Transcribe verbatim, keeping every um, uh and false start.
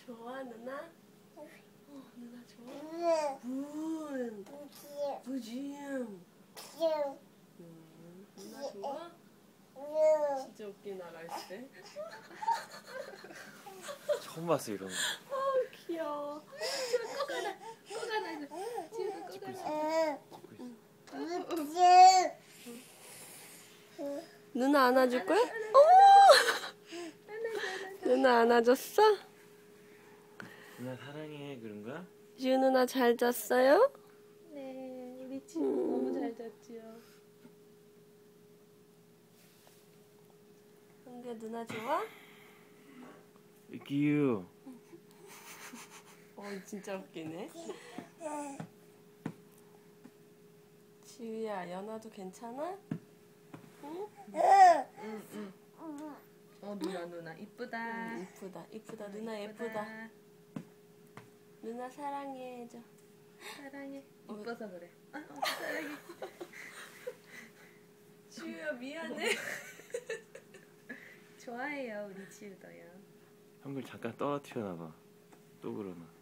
좋아 누나? 어 누나 좋아? 분 부지음 음, 누나 좋아? 진짜 웃긴 나라 있을 때. 처음 봤어 이런 거. 아 귀여워. 지금 꼭 안아, 꼭 안아줘. 지금 꼭 안아. 누나 안아줄 거야? 어머! 누나 안아줬어? 누나 사랑해 그런 거야? 지우 누나 잘 잤어요? 네, 우리 친구 음. 너무 잘 잤지요. 근데 누나 좋아? 기유. 어 진짜 웃기네. 지우야, 연아도 괜찮아? 응? 응, 응. 어 누나 누나 이쁘다. 응, 이쁘다, 이쁘다. 누나 예쁘다. 누나 사랑해 해줘. 사랑해. 이뻐서 그래. 아, 어, 사랑해. 지우야 미안해. 좋아해요 우리 지우도요. 형들 잠깐 떨어뜨려놔봐. 또 그러나.